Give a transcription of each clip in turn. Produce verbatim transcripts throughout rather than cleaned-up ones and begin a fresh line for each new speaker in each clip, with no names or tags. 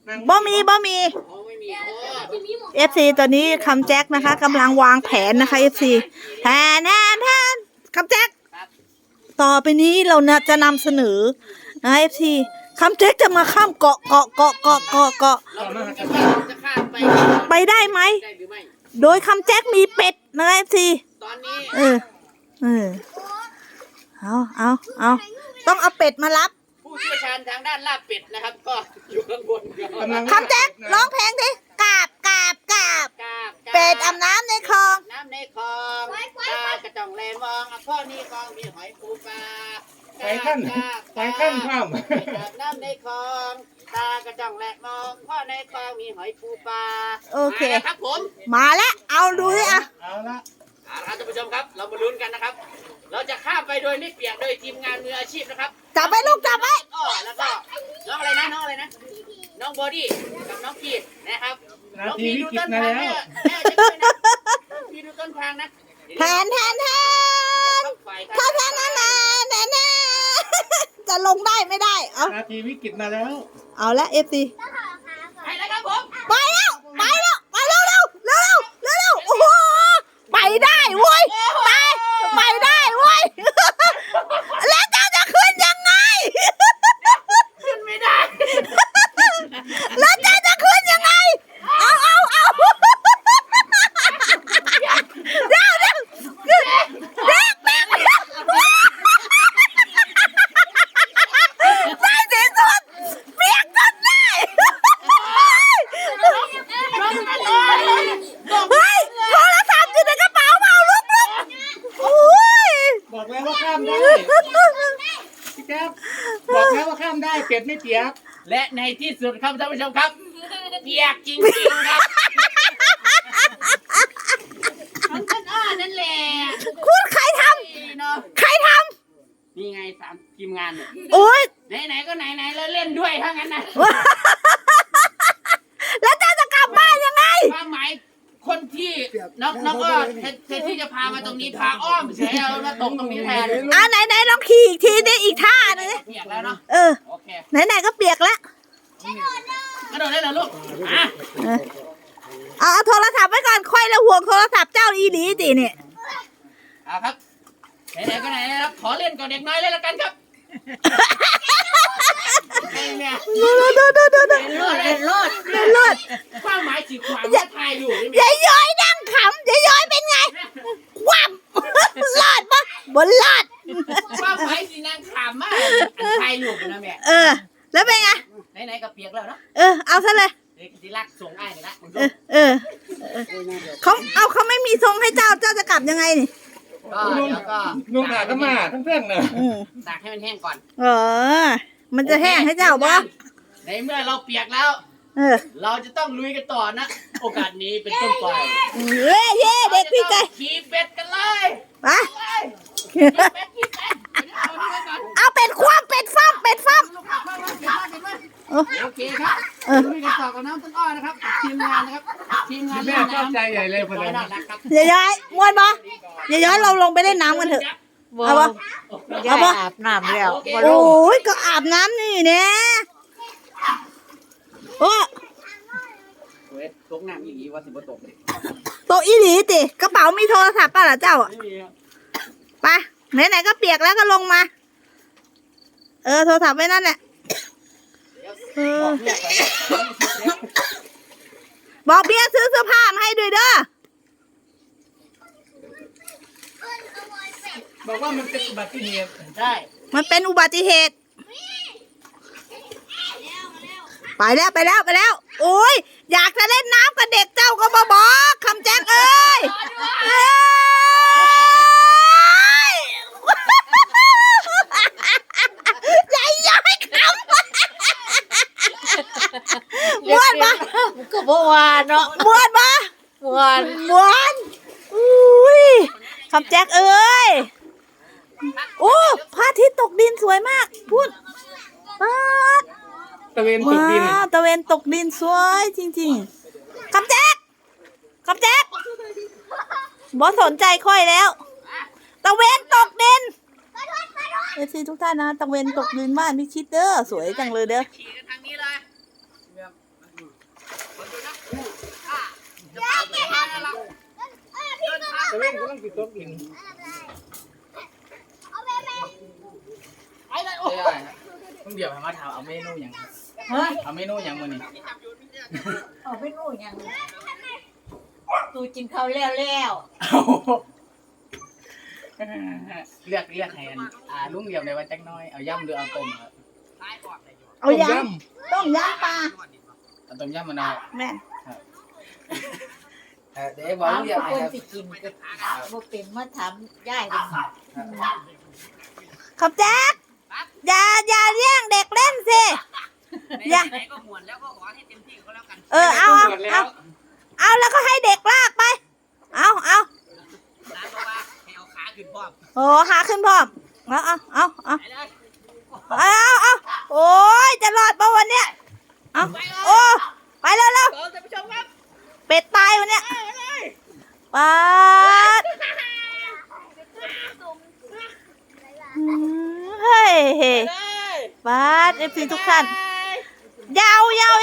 บ่มีบ่มีเอฟซีตอนนี้คำแจ็คนะคะกำลังวางแผนนะคะเอฟซีแทนแทนแทนคำแจ็คต่อไปนี้เราจะนำเสนอนะเอฟซีคำแจ็คจะมาข้ามเกาะเกาะเกาะเกาะเกาะเกาะไปได้ไหมโดยคำแจ็คมีเป็ดนะเอฟซีเออเออเอาเอาเอาต้องเอาเป็ดมารับ
ผู้เชี่ยวชาญทางด้านลาบเป็ดนะครับก็อยู่ข้างบน
คำแจ็คร้องเพลงดิกาบกาบกาบเป็ดอาบน้ำในคลอง
น้ำในคลองตากระจ่องแลมองพ่อนี่คลองมีหอยปูปลา
ไปขั้นไปขั้นข้าม
น้ำในคลองตากระจ่องแลมองพ่อในคลองมีหอยปูปลา
โอเค
ครับผม
มาแล้วเอาดูสิอ่ะ
เอาละ
ท่านผู้ชมครับเรามาลุ้นกันนะครับเราจะข้ามไปโดยไม่เปียกโดยทีมงานมืออาชีพนะครับ
จับไปลูกจับไป
อ๋อแล้วก็น้องอะไรนะน้องอะไรนะน้องบอดี้กับน้องพีนะครับน้องพีดูต้นทางแม่แม่จะด้วยนะพีดูต้นทางนะ
แทนแทนแทนถ้าแทนนั่นนะแทนแทนจะลงได้ไม่ได้เอา
นาทีวิกฤตมาแล้ว
เอาละเอฟซี
ไปแล้วครับผม
ไปแล้วไปแล้วไปเร็วเร็วเร็วเร็วเร็วโอ้โหไปได้เว้ยไปไปได้เว้ยแล้วเจ้าจะขึ้นยังไง
ขึ้นไม่ได้
แล้วเจ้าจะขึ้นยังไงเอาเอาเอาเร็วเร็วเร็วเร็วเร็วใส่สีสุดเปียกจนได้เฮ้ยโทรศัพท์อยู่ในกระเป๋าเมาลุกลุกโอ้ย
บอกแล้วว่าข้ามได้พี่แจ๊บบอกแล้วว่าข้ามได้เป็ดไม่เปียก
และในที่สุดครับท่านผู้ชมครับเปียกจริงๆครับมันก็อ้อนั่นแหละ
คุณใครทำใครท
ำนี่ไงสามทีมงานเนี่ย
โอ้ย
ไหนๆก็ไหนๆแล้วเล่นด้วยทั้งนั้นนะ
แล้วเจ้าจะกลับบ้านยังไง
ความหมายคนที่น้องน้องก็แทนที่จะพามาตรงนี้พาอ้อมเฉยเอามาตรงตรงนี้แทน
อ่าไหนไหนลองขี่อีกทีนี่อีกท่านึง
เปียกแล้วเนาะ
เออไหนไหนก็เปียกแล้ว
กระโดดได้เหรอลูกอ่ะ
เอาโทรศัพท์ไว้ก่อนค่อยละห่วงโทรศัพท์เจ้าอีหลีจีเนี่ย
เอาครับไหนๆก็ไหนนะครับขอเล่นกับเด็กน้อยเลยละกันครับเนี่ย
ดูดูดูดูดู
เลิศเลิศ
เลิศ
ความหมายจีบความว่าไทยอยู่
นี่ยายย้อยนั่งขำยายย้อยเป็นไงคว่ำลอดปะบนลอด
ความหมายจีนั่งขำมากไทยอยู่นะแม่
เออแล้วเป็นไง
ไหนๆก็เปียกแล้วเนาะ
เออเอาซะเลย
ที่รักส่งไอ้นี่ละ
เออเออเขาเอาเขาไม่มีทรงให้เจ้าเจ้าจะกลับยังไงนี่
ก็แล้วก็
นุ่งขาก็มาทั้งเพื่อนเนอะ
ตากให้มันแห้งก่อน
เออมันจะแห้งให้เจ้าบ่
ในเมื่อเราเปียกแล้ว
เออ
เราจะต้องลุยกันต่อนะโอกาสนี้เป็นต้นไป
เย้เย้เด็กพี่ใจ
ขี่เป็ดกันเลย
ไปเอาเป็ดคว่ำเป็ดฟ้ำเป็ดฟ้ำ
โอเคครับลุยกันต่อกับน้ำต้นอ้อนะครับทีมงานนะครับทีมงาน
แม่ชอบใจใหญ่เลยคนนั้น
อย่าย้อยม้วนบ่อย่าย้อยเราลงไปเล่นน้ำกันเถอะเอาปะ
เอาปะอาบน้ำแล้ว
โอ้ยก็อาบน้ำนี่เนี่ยโอ้
ตกน้ำอีหลีว่าสิบ่ตก
ตกอีหลีติกระเป๋ามีโทรศัพท์ป่ะล่ะเจ้าอ่ะไปไหนๆก็เปียกแล้วก็ลงมาเออโทรศัพท์ไว้นั่นแหละบอกเบียร์ซื้อเสื้อผ้ามาให้ด้วยเด้อ
บอกว่ามันเป็นอุบัติเหตุ
ใช่
มันเป็นอุบัติเหตุไปแล้วไปแล้วไปแล้วโอ้ยอยากจะเล่นน้ำกับเด็กเจ้าก็มาบอกคำแจ้งเอ้ยใหญ่ย้อยคำม้วนปะ
ก็บ่วานเนาะ
ม้วนปะ
ม้วน
ม้วนอุ้ยคำแจ้งเอ้ยโอ้พระอาทิตย์ตกดินสวยมากพูดป๊าด
ตะเวนตกดิน
ตะเวนตกดินสวยจริงๆคำแจ๊กคำแจ๊กบอสนใจค่อยแล้วตะเวนตกดินเอฟซีทุกท่านนะตะเวนตกดินบ้านพิชิตเด้อสวยจังเลยเด้อ
ขี่กันทางนี้เลย
พี่ก็กิน
ไปเลยโอ้ยต้องเดี๋ยวมาถามเอาเมนูอย่าง
เฮ้ย
เอาเมนูอย่างมื้อนี้
เอาไปนู่นยังตูกินข้าวแล้วแล้ว
เลือกเลือกให้อันอ่าลุงเดียวในวันจักน้อยเอาย่ำหรือเอาต้มครับ
เอายำต้มยำปลา
เอาต้มย่ำมะนาว
แม่
เออเดี๋ยวบอกลุงเดียวให้
คน
ครับ
สิกินก็บ่เป็นมาถามยายเป็น
คำแจ๊กอย่าอย่าเลี้ยงเด็กเล่นสิอย่า
ไหนก็หมวนแล้วก็ขอให้เต็มที่ก็แล้วกัน
เออเอาเอาเอาเอาแล้วก็ให้เด็กลากไป เอาเอา
ร้านบอกว่าให้เอาขาขึ้นพร้อม
โอ้ขาขึ้นพร้อมเอาเอาเอาเอา
ไปเลย
เอาเอาโอ้ยจะรอดปะวันเนี้ยเอาโอ้ไปเร็วเร็ว
เออท่านผู้ชมครับ
เป็ดตายวันเนี้ยปัดอืมเฮ้ยเฮ้ยปัดเอฟซีทุกท่านยาวยาว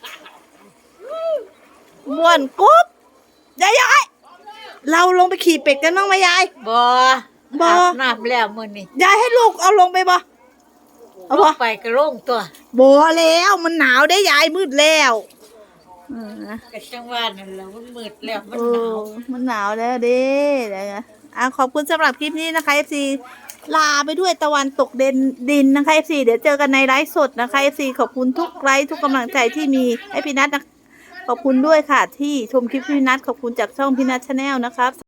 ม่วนกุ๊บยายยายเราลงไปขี่เป็ดกันบ้างไหมยาย
บ่
บ่
อาบน้ำแล้วมื้อนี้
ยายให้ลูกเอาลงไปบ่เอา
ล
บ่
งไปก็ลงตัว
บ่แล้วมันหนาวได้ยายมืดแล้วเออ
ก็จังว่านั่นแหละมันมืดแล้วมัน
เอ
หนาว
อมันหนาวแล้วเด้เดี๋ยวนะอ่ะขอบคุณสำหรับคลิปนี้นะคะ เอฟ ซี ลาไปด้วยตะวันตกเด่นดินนะคะ เอฟ ซี เดี๋ยวเจอกันในไลฟ์สดนะคะ เอฟ ซี ขอบคุณทุกไลฟ์ทุกกำลังใจที่มีให้พี่นัทนะขอบคุณด้วยค่ะที่ชมคลิปพี่นัทขอบคุณจากช่องพี่นัทชาแนลนะครับ